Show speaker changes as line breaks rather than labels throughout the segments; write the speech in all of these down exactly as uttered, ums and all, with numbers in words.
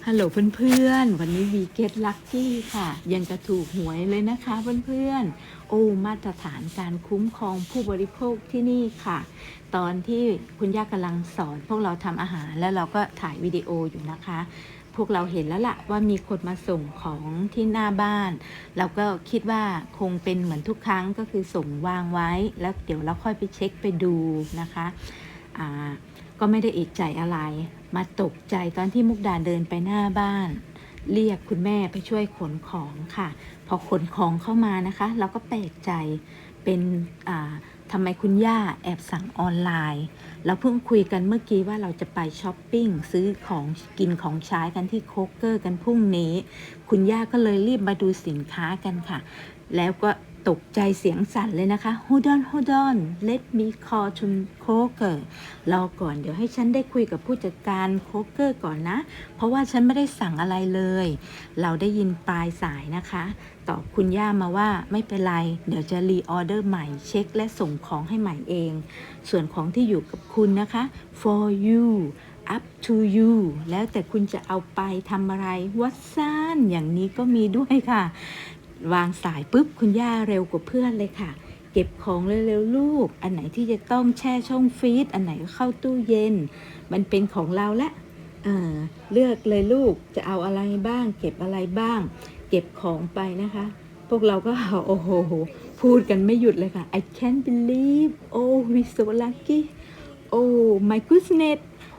ฮัลโหลเพื่อนๆวันนี้วีเกตลัคกี้ค่ะยังกระถูกหวยเลยนะคะเพื่อนๆโอ้มาตรฐานการคุ้มครองผู้บริโภคที่นี่ค่ะตอนที่คุณย่ากำลังสอนพวกเราทำอาหารแล้วเราก็ถ่ายวิดีโออยู่นะคะพวกเราเห็นแล้วล่ะว่ามีคนมาส่งของที่หน้าบ้านเราก็คิดว่าคงเป็นเหมือนทุกครั้งก็คือส่งวางไว้แล้วเดี๋ยวเราค่อยไปเช็คไปดูนะคะอ่าก็ไม่ได้เอกใจอะไรมาตกใจตอนที่มุกดาเดินไปหน้าบ้านเรียกคุณแม่ไปช่วยขนของค่ะพอขนของเข้ามานะคะเราก็แปลกใจเป็นอ่าทำไมคุณย่าแอบสั่งออนไลน์เราเพิ่งคุยกันเมื่อกี้ว่าเราจะไปช้อปปิ้งซื้อของกินของใช้กันที่โคกเกอร์กันพรุ่งนี้คุณย่าก็เลยรีบมาดูสินค้ากันค่ะแล้วก็ตกใจเสียงสั่นเลยนะคะ Hold on hold on let me call to Kroger รอก่อนเดี๋ยวให้ฉันได้คุยกับผู้จัดการโคกเกอร์ก่อนนะเพราะว่าฉันไม่ได้สั่งอะไรเลยเราได้ยินปลายสายนะคะตอบคุณย่ามาว่าไม่เป็นไรเดี๋ยวจะรีออเดอร์ใหม่เช็คและส่งของให้ใหม่เองส่วนของที่อยู่กับคุณนะคะ for you up to you แล้วแต่คุณจะเอาไปทำอะไรวัดซ่านอย่างนี้ก็มีด้วยค่ะวางสายปุ๊บคุณย่าเร็วกว่าเพื่อนเลยค่ะเก็บของเร็วๆลูกอันไหนที่จะต้องแช่ช่องฟรีซอันไหนก็เข้าตู้เย็นมันเป็นของเราละเออเลือกเลยลูกจะเอาอะไรบ้างเก็บอะไรบ้างเก็บของไปนะคะพวกเราก็โอ้โหพูดกันไม่หยุดเลยค่ะ I can't believe oh we so lucky oh my goodness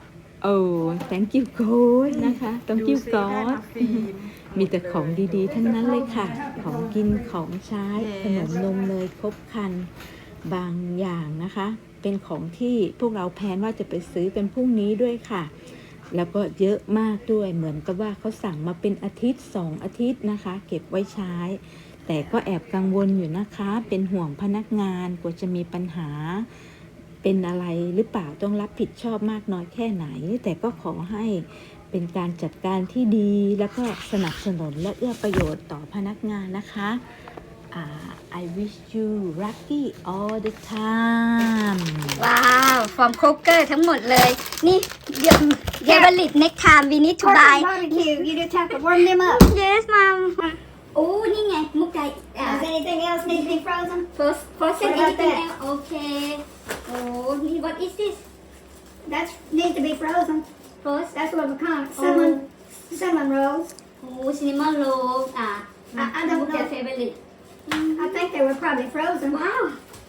oh thank you God นะคะ thank you God มีแต่ของดีๆทั้งนั้นเลยค่ะของกินของใช้ขนมนมเนยครบครันบางอย่างนะคะเป็นของที่พวกเราแพลนว่าจะไปซื้อกันพรุ่งนี้ด้วยค่ะแล้วก็เยอะมากด้วยเหมือนกับว่าเขาสั่งมาเป็นอาทิตย์สองอาทิตย์นะคะเก็บไว้ใช้แต่ก็แอบกังวลอยู่นะคะเป็นห่วงพนักงานกลัวจะมีปัญหาเป็นอะไรหรือเปล่าต้องรับผิดชอบมากน้อยแค่ไหนแต่ก็ขอให้เป็นการจัดการที่ดีแล้วก็สนับสนุนและเอื้อประโยชน์ต่อพนักงานนะคะ uh, I wish you lucky all the time
ว้าว from Kroger ทั้งหมดเลยนี่เดี๋ยวเดี๋ยว valid next time we need to buy
barbecue. You just have to warm them up.
yes mom โอ้นี่ไงมุกไก่
Does anything else need to be frozen?
first first
What about
anything
that?
else okay โอ้นี่ what is this
That needs to be frozen.
first
That's what we call it. Cinnamon, cinnamon rolls.
โอ้ cinnamon roll อ่ะ
I, I don't
มุกไก่
know.
favorite
I think they were probably frozen.
ว้าว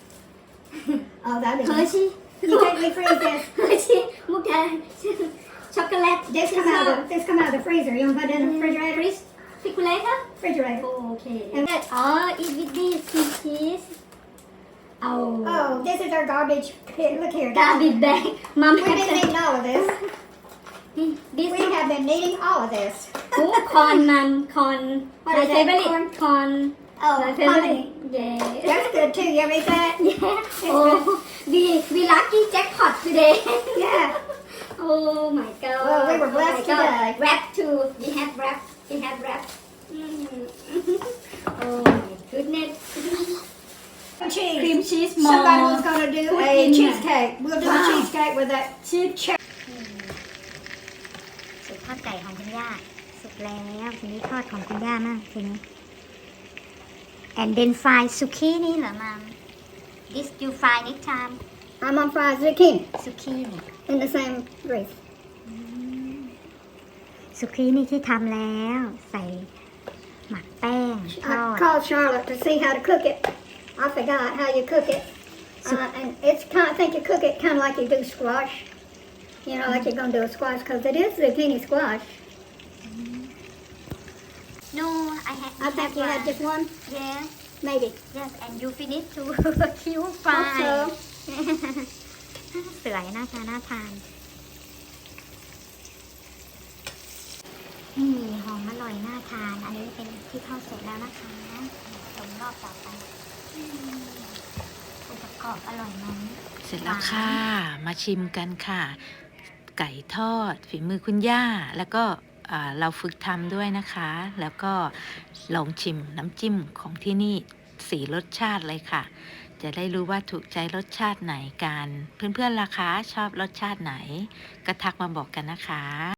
Oh, that'd be
เฮอร์
nice.
ชี่
You think we freeze this?
เฮอร์ชี่มุกไก่ช็อกโกแลต
This come out of this come out of the freezer. You want to put it in the refrigerator?
refrigerator
Refrigerator.
okay
And-
อ๋อ eat with this with cheese เอา
Oh, this is our garbage. Here, look here.
กาบิแบงมัม
We've been needing all of this.
this
We have been needing all of this.
โอ้คอนมัมคอน
What
my
is that,
favorite
corn?
คอน
Oh,
my
honey.
favorite yeah
That's good too. You ever eat that?
yeah oh we we lucky jackpot today
Yeah.
oh my god
Well, we were
oh
blessed
my god.
today.
wrap too we have wrap we have wrap mm. oh my goodness
Cheese.
cream cheese
Somebody
more
was going to do
Put
a
in
cheesecake. We'll do
Wow.
a cheesecake with that cheese cherry.
สุดทอดไก่ของคุณย่าสุดแล้วทีนี้ทอดของคุณย่ามากทีนี้ and then fry zucchini เหรอมัม this you fry next time
I'm on fried zucchini
zucchini
in the same grease.
ซุกี้นี่ที่ทำแล้วใส่หมักแป้งทอ
I
ด
called Charlotte to see how to cook it. I forgot how you cook it. Uh, and it's kind of, I think you cook it kind of like you do squash. You know, like you're going to do a squash because it is zucchini squash.
no I had
I think you had just one,
yes
maybe.
yes and you finish to kill fry
Hope so.
สวยน่าทานน่าทานนี่หอมอร่อยน่าทาน อันนี้เป็นที่ทอดเสร็จแล้วนะคะชมรอบต่อไปอืมองค์ประกอบอร่อยไหม
เสร็จแล้วค่ะมาชิมกันค่ะไก่ทอดฝีมือคุณย่าแล้วก็อ่าเราฝึกทำด้วยนะคะ แล้วก็ลองชิมน้ำจิ้มของที่นี่สี่รสชาติเลยค่ะจะได้รู้ว่าถูกใจรสชาติไหนกันเพื่อนๆล่ะคะชอบรสชาติไหนก็ทักมาบอกกันนะคะ